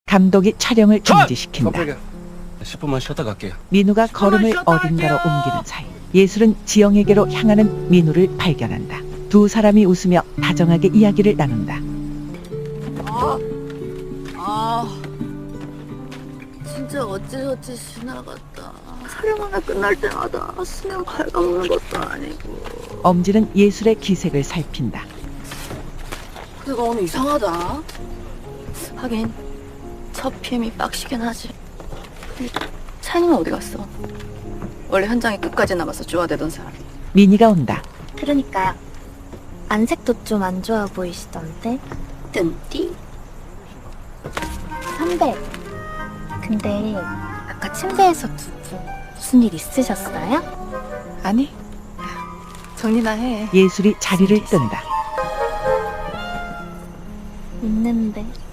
감독이 촬영을 중지시킨다. 깜짝이야. 10분만 쉬었다 갈게요. 민우가 걸음을 어딘가로 옮기는 사이 예술은 지영에게로 향하는 민우를 발견한다. 두 사람이 웃으며 다정하게 이야기를 나눈다. 진짜 어찌저찌 지나갔다. 촬영 하나 끝날 때마다 수면 갉아먹는 것도 아니고. 엄지는 예술의 기색을 살핀다. 그가 오늘 이상하다. 하긴 첫 PM이 빡시긴 하지. 찬이는 어디 갔어? 원래 현장에 끝까지 남아서 쪼아대던 사람. 미니가 온다. 그러니까요. 안색도 좀 안 좋아 보이시던데. 뜬띠. 선배. 근데 아까 침대에서 두 분 무슨 일 있으셨어요? 아니 정리나 해. 예술이 자리를 뜬다. 있는데